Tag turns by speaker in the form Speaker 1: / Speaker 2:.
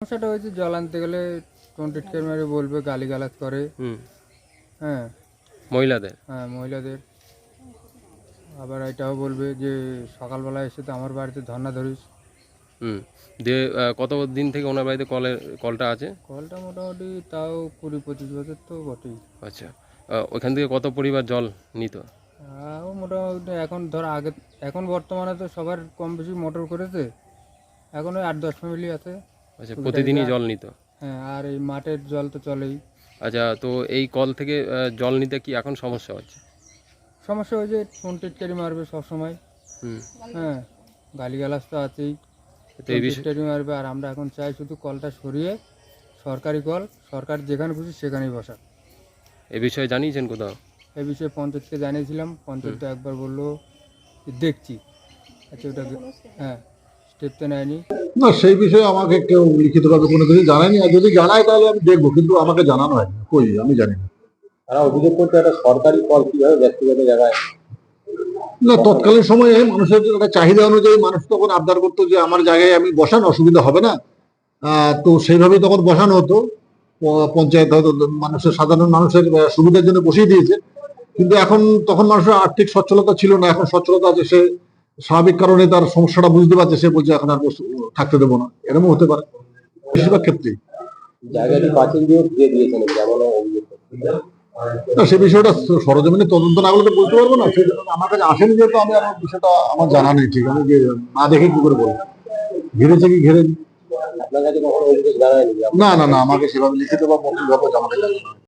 Speaker 1: সমস্যাটা হয়েছে জল আনতে গেলে টোনটিটকে মেরে বলবে, গালিগালাজ করে। হ্যাঁ,
Speaker 2: মহিলাদের।
Speaker 1: হ্যাঁ, মহিলাদের। আবার এটাও বলবে যে সকালবেলা এসে তো আমার বাড়িতে ধর্না ধরিস।
Speaker 2: দিয়ে কত দিন থেকে ওনার বাড়িতে কলটা আছে?
Speaker 1: কলটা মোটামুটি তাও 20-25 বছর তো বটেই।
Speaker 2: আচ্ছা, ওইখান থেকে কত পরিবার জল নিত?
Speaker 1: ও মোটামুটি এখন ধর আগে, এখন বর্তমানে তো সবার কম বেশি মোটর করেছে, এখন ওই 8-10 ফ্যামিলি আছে।
Speaker 2: আচ্ছা, প্রতিদিনই জল নিত?
Speaker 1: হ্যাঁ, আর এই মাঠের জল তো চলেই।
Speaker 2: আচ্ছা, তো এই কল থেকে জল নিতে কি এখন সমস্যা হচ্ছে?
Speaker 1: সমস্যা হয়েছে, ফোন টিটকারি মারবে সবসময়। হ্যাঁ, গালিগালাজ তো আছেই,
Speaker 2: তো এই বিষয়ে
Speaker 1: টিটকারি মারবে। আর আমরা এখন চাই শুধু কলটা সরিয়ে সরকারি কল, সরকার যেখানে খুশি সেখানেই বসা।
Speaker 2: এ বিষয়ে জানিয়েছেন কোথাও?
Speaker 1: এ বিষয়ে পঞ্চায়েতকে জানিয়েছিলাম, পঞ্চায়েত তো একবার বললো যে দেখছি। আচ্ছা, ওটা হ্যাঁ, স্টেপ তো নেয়নি।
Speaker 3: না, সেই বিষয়ে আমাকে কেউ লিখিতভাবে কোনো কিছু জানায়নি, আর যদি জানায় তাহলে আমি দেখবো, কিন্তু আমাকে জানানো হয়নি, কই আমি জানি না।
Speaker 4: তারা অভিযোগ করছে একটা সরকারি কল কিভাবে ব্যক্তিগত জায়গায়।
Speaker 3: না, তৎকালীন সময়ে মানুষের একটা চাহিদা অনুযায়ী মানুষ তখন আবদার করতো যে আমার জায়গায় আমি বসান, অসুবিধা হবে না। তো সেইভাবেই তখন বসানো হতো। পঞ্চায়েত হয়তো মানুষের, সাধারণ মানুষের সুবিধার জন্য বসিয়ে দিয়েছে। কিন্তু এখন তখন মানুষের আর্থিক সচ্ছলতা ছিল না, এখন সচ্ছলতা আছে, সে স্বাভাবিক কারণে তার সমস্যাটা বুঝতে পারছে, সে বলছে এখন আর থাকতে দেবো না, এরকম হতে পারে বেশিরভাগ ক্ষেত্রেই।
Speaker 4: জায়গাটি পাঁচিল দিয়ে ঘিরে দিয়েছেন যেমন অভিযোগ করছে।
Speaker 3: না, সে বিষয়টা সরজমিনে তদন্ত না করলে তো বলতে পারবো না। সেই জন্য আমার কাছে আসেনি, যেহেতু আমি আমার বিষয়টা আমার জানা নেই ঠিক, আমি যে না দেখে কি করে বলবো ঘিরেছে কি ঘিরে।
Speaker 4: আপনার কাছে কখনো অভিযোগ জানায়নি?
Speaker 3: না না না, আমাকে সেভাবে লিখিত বা মৌখিকভাবে আমাকে জানানো হয়নি।